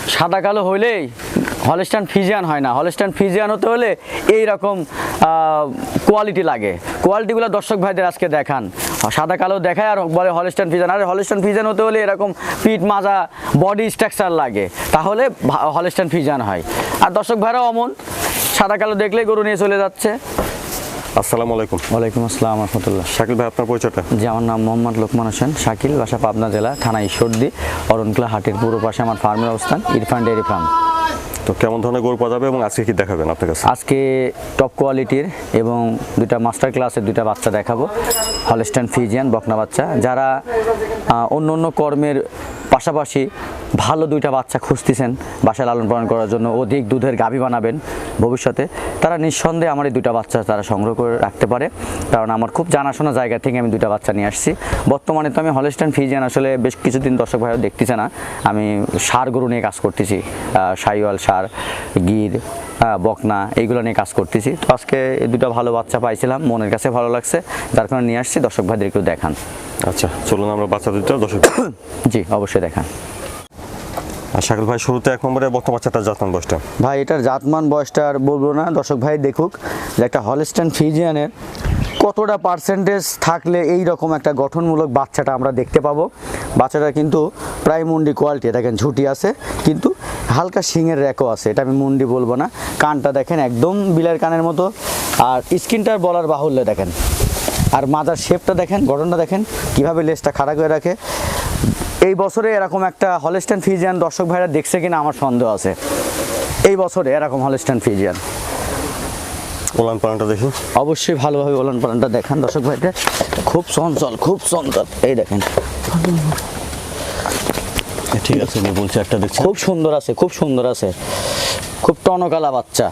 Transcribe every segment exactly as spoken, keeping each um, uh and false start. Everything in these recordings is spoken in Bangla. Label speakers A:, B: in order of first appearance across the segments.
A: সাদা কালো হইলেই হলস্টাইন ফ্রিজিয়ান হয় না। হলস্টাইন ফ্রিজিয়ান হতে হলে এই রকম কোয়ালিটি লাগে। কোয়ালিটিগুলো দর্শক ভাইদের আজকে দেখান। সাদা কালো দেখায় আর বলে হলস্টাইন ফ্রিজিয়ান। আর হলস্টাইন ফ্রিজিয়ান হতে হলে এরকম পিঠ মাজা বডি স্ট্রাকচার লাগে, তাহলে হলস্টাইন ফ্রিজিয়ান হয়। আর দর্শক ভাইরাও অমন সাদা কালো দেখলেই গরু নিয়ে চলে যাচ্ছে।
B: আসসালামু আলাইকুম।
A: ওয়ালাইকুম আসসালাম রহমতুল্লাহ।
B: শাকিল ভাই, আপনার পরিচয়টা?
A: জি, আমার নাম মোহাম্মদ লোকমান হোসেন শাকিল, বাসা পাবনা জেলা, থানা ঈশ্বরদী, অরণকুলা হাটের পূর্ব পাশে আমার ফার্মের অবস্থান, ইরফান ডেয়ারি ফার্ম।
B: তো কেমন ধরনের গরু পাওয়া যাবে এবং আজকে কি দেখাবেন আপনার কাছে?
A: আজকে টপ কোয়ালিটির এবং দুইটা মাস্টার ক্লাসের দুইটা বাচ্চা দেখাবো, হলস্টাইন ফ্রিজিয়ান বকনা বাচ্চা। যারা অন্য অন্য কর্মের পাশাপাশি ভালো দুইটা বাচ্চা খুঁজতেছেন বাসায় লালন পালন করার জন্য, অধিক দুধের গাভী বানাবেন ভবিষ্যতে, তারা নিঃসন্দেহে আমার এই দুইটা বাচ্চা তারা সংগ্রহ করে রাখতে পারে। কারণ আমার খুব জানাশোনা জায়গা থেকে আমি দুইটা বাচ্চা নিয়ে আসছি। বর্তমানে তো আমি হলস্টাইন ফ্রিজিয়ান আসলে বেশ কিছুদিন দর্শক ভাইও দেখতেছে না, আমি সার গরু নিয়ে কাজ করতেছি, সাইওয়াল সার, গির, হ্যাঁ বকনা, এইগুলো নিয়ে কাজ করতেছি। তো আজকে এই দুটো ভালো বাচ্চা পাইছিলাম, মনের কাছে ভালো লাগছে, যার কারণে নিয়ে আসছি। দর্শক ভাইদের একটু দেখান।
B: আচ্ছা চলুন আমরা বাচ্চা দুটো দর্শক।
A: জি অবশ্যই দেখান।
B: আর শাকিল ভাই, শুরুতে এক নম্বরে বকনা বাচ্চাটার জাতমান বয়সটা?
A: ভাই এটার জাতমান বয়সটা আর বলবো না, দর্শক ভাই দেখুক যে একটা হলস্টাইন ফ্রিজিয়ানের কতটা পার্সেন্টেজ থাকলে এই রকম একটা গঠনমূলক বাচ্চাটা আমরা দেখতে পাবো। বাচ্চাটা কিন্তু প্রায় মুন্ডি কোয়ালিটি, দেখেন ঝুটি আছে কিন্তু হালকা শিঙের র্যাকও আছে, এটা আমি মুন্ডি বলবো না। কানটা দেখেন একদম বিলের কানের মতো, আর স্কিনটার বলার বাহুল্য দেখেন, আর মাজার শেপটা দেখেন, গঠনটা দেখেন কীভাবে লেজটা খাড়া করে রাখে। এই বছরে এরকম একটা হলস্টাইন ফ্রিজিয়ান দর্শক ভাইরা দেখছে কিনা আমার সন্দেহ আছে, এই বছরে এরকম হলস্টাইন ফ্রিজিয়ান।
B: ওলান পালানটা দেখি।
A: অবশ্যই ভালোভাবে ওলান পালানটা দেখান দর্শক ভাইদের, খুব চঞ্চল, খুব চঞ্চল, এই দেখেন।
B: ঠিক আছে, আমি বলছি একটা দেখছি,
A: খুব সুন্দর আছে, খুব সুন্দর আছে, খুব টনকালা বাচ্চা।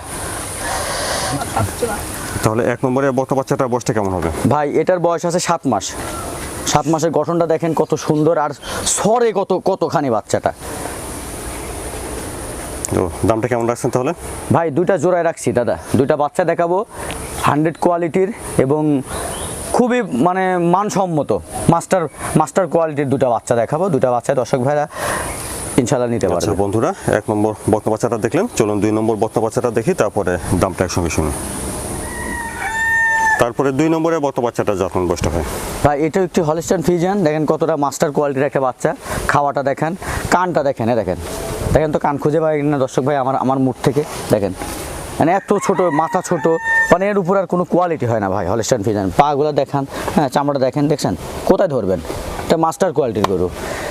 B: তাহলে এক নম্বরে বকনা বাচ্চাটার বয়সটা কেমন হবে?
A: ভাই এটার বয়স আছে সাত মাস। সাত মাসের গঠনটা দেখেন কত সুন্দর, আর সরে কত কতখানি বাচ্চাটা।
B: তো দামটা কেমন রাখছেন তাহলে?
A: ভাই দুইটা জোড়ায় রাখছি দাদা, দুইটা বাচ্চা দেখাবো হান্ড্রেড কোয়ালিটির এবং খুবই মানে মানসম্মত মাস্টার মাস্টার কোয়ালিটির দুটা বাচ্চা দেখাবো। দুটা বাচ্চা দর্শক ভাইরা ইনশাল্লাহ নিতে পারবে।
B: আচ্ছা বন্ধুরা, এক নম্বর বকনা বাচ্চাটা দেখলেন, চলুন দুই নম্বর বকনা বাচ্চাটা দেখি, তারপরে দামটা একসঙ্গে শুনুন। তারপরে দুই নম্বরে বকনা বাচ্চাটা জাতমান বয়সটা হয়?
A: ভাই এটা একটি হলস্টাইন ফ্রিজিয়ান, দেখেন কতটা মাস্টার কোয়ালিটির একটা বাচ্চা। খাওয়াটা দেখেন, কানটা দেখেন, এ দেখেন, দেখেন তো কান খুঁজে পাই না দর্শক ভাই আমার আমার মুখ থেকে দেখেন, মানে এত ছোট, মাথা ছোট, মানে এর উপর আর কোনো কোয়ালিটি হয় না ভাই হলস্টাইন ফ্রিজিয়ান। পাগুলো দেখান, হ্যাঁ চামড়া দেখেন, দেখছেন কোথায় ধরবেন, এটা মাস্টার কোয়ালিটির গরু।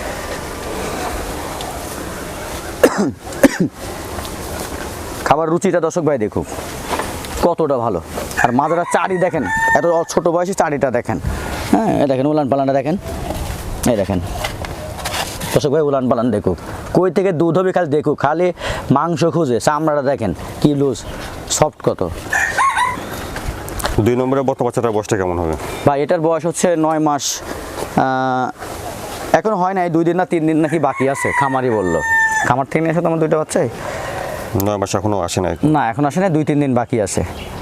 A: খাবার রুচিটা দর্শক ভাই দেখুক কতটা ভালো, আর মাদারা চারি দেখেন, এত ছোট বয়সে চারিটা দেখেন, হ্যাঁ দেখেন উলান পালানটা দেখেন, এই দেখেন দর্শক ভাই উলান পালান দেখুক, কই থেকে দুধ হবে খালি দেখুক, খালি মাংস খুঁজে, চামড়াটা দেখেন কি লুজ সফট কত।
B: দুই নম্বরে বকনা বাচ্চাটার বয়সটা কেমন হবে?
A: ভাই এটার বয়স হচ্ছে নয় মাস, এখন হয় নাই, দুই দিন না তিন দিন নাকি বাকি আছে, খামারি বললো। খামার থেকে নিয়ে এসে তো আমার দুইটা বাচ্চাই
B: নয় মাস এখনো আসে নাই?
A: না এখন আসে না, দুই তিন দিন বাকি আছে।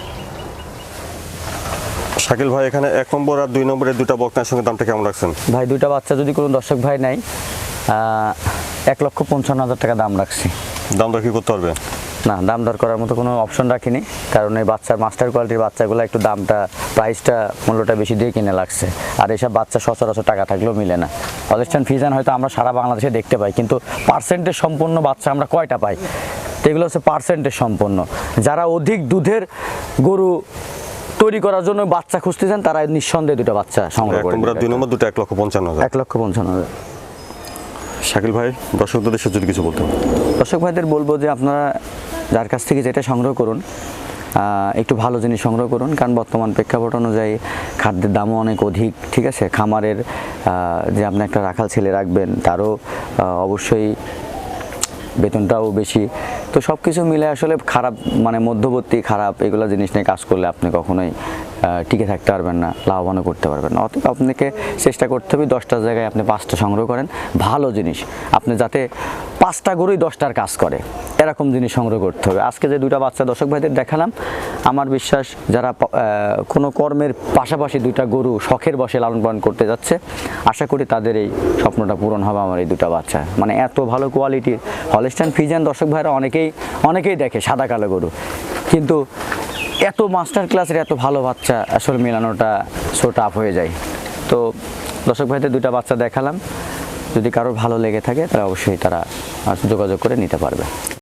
B: শাকিল ভাই, এখানে এক নম্বর আর দুই নম্বরের দুটা বকনার সঙ্গে দামটা কেমন রাখছেন?
A: ভাই দুইটা বাচ্চা যদি কোনো দর্শক ভাই নাই, এক লক্ষ পঞ্চান্ন হাজার টাকা দাম রাখছি।
B: দাম দর কি করতে পারবে?
A: না, দাম দর করার মতো কোনো অপশন রাখিনি, কারণ এই বাচ্চার মাস্টার কোয়ালিটির বাচ্চাগুলো একটু দামটা, প্রাইসটা, মূল্যটা বেশি দিয়ে কিনে লাগছে। আর এইসব বাচ্চা সচরাচর টাকা থাকলেও মিলে না। হলস্টাইন ফ্রিজিয়ান হয়তো আমরা সারা বাংলাদেশে দেখতে পাই, কিন্তু পার্সেন্টেজ সম্পন্ন বাচ্চা আমরা কয়টা পাই? তো এগুলো হচ্ছে পার্সেন্টেজ সম্পন্ন। যারা অধিক দুধের গরু তৈরি করার জন্য বাচ্চা খুঁজতেছেন, তারা নিঃসন্দেহে দুটো বাচ্চা সংগ্রহ করে।
B: দুই নম্বর দুটো এক লক্ষ পঞ্চান্ন হাজার।
A: এক লক্ষ পঞ্চান্ন হাজার।
B: শাকিল ভাই, দর্শকদের দেশে যদি কিছু বলতে হবে?
A: দর্শক ভাইদের বলবো যে আপনারা যার কাছ থেকে যেটা সংগ্রহ করুন, একটু ভালো জিনিস সংগ্রহ করুন, কারণ বর্তমান প্রেক্ষাপট অনুযায়ী খাদ্যের দামও অনেক অধিক, ঠিক আছে। খামারের যে আপনি একটা রাখাল ছেলে রাখবেন, তারও অবশ্যই বেতনটাও বেশি। তো সব কিছু মিলে আসলে খারাপ, মানে মধ্যবর্তী খারাপ এগুলো জিনিস নিয়ে কাজ করলে আপনি কখনোই টিকে থাকতে পারবেন না, লাভবানও করতে পারবেন না। অতএব আপনাকে চেষ্টা করতে হবে দশটার জায়গায় আপনি পাঁচটা সংগ্রহ করেন, ভালো জিনিস, আপনি যাতে পাঁচটা গরুই দশটার কাজ করে। এরকম জিনিস সংগ্রহ করতে হবে। আজকে যে দুইটা বাচ্চা দর্শক ভাইদের দেখালাম, আমার বিশ্বাস যারা প- আহ, কোনো কর্মের পাশাপাশি দুইটা গরু শখের বসে লালন পালন করতে যাচ্ছে, আশা করি তাদের এই স্বপ্নটা পূরণ হবে আমার এই দুটা বাচ্চা। মানে এত ভালো কোয়ালিটির হলস্টাইন ফ্রিজিয়ান দর্শক ভাইরা অনেকেই অনেকেই দেখে সাদা কালো গরু, কিন্তু এত মাস্টার ক্লাসের এত ভালো বাচ্চা আসলে মেলানোটা সো টাফ হয়ে যায়। তো দর্শক ভাইদের দুইটা বাচ্চা দেখালাম, যদি কারোর ভালো লেগে থাকে তাহলে অবশ্যই তারা যোগাযোগ করে নিতে পারবে।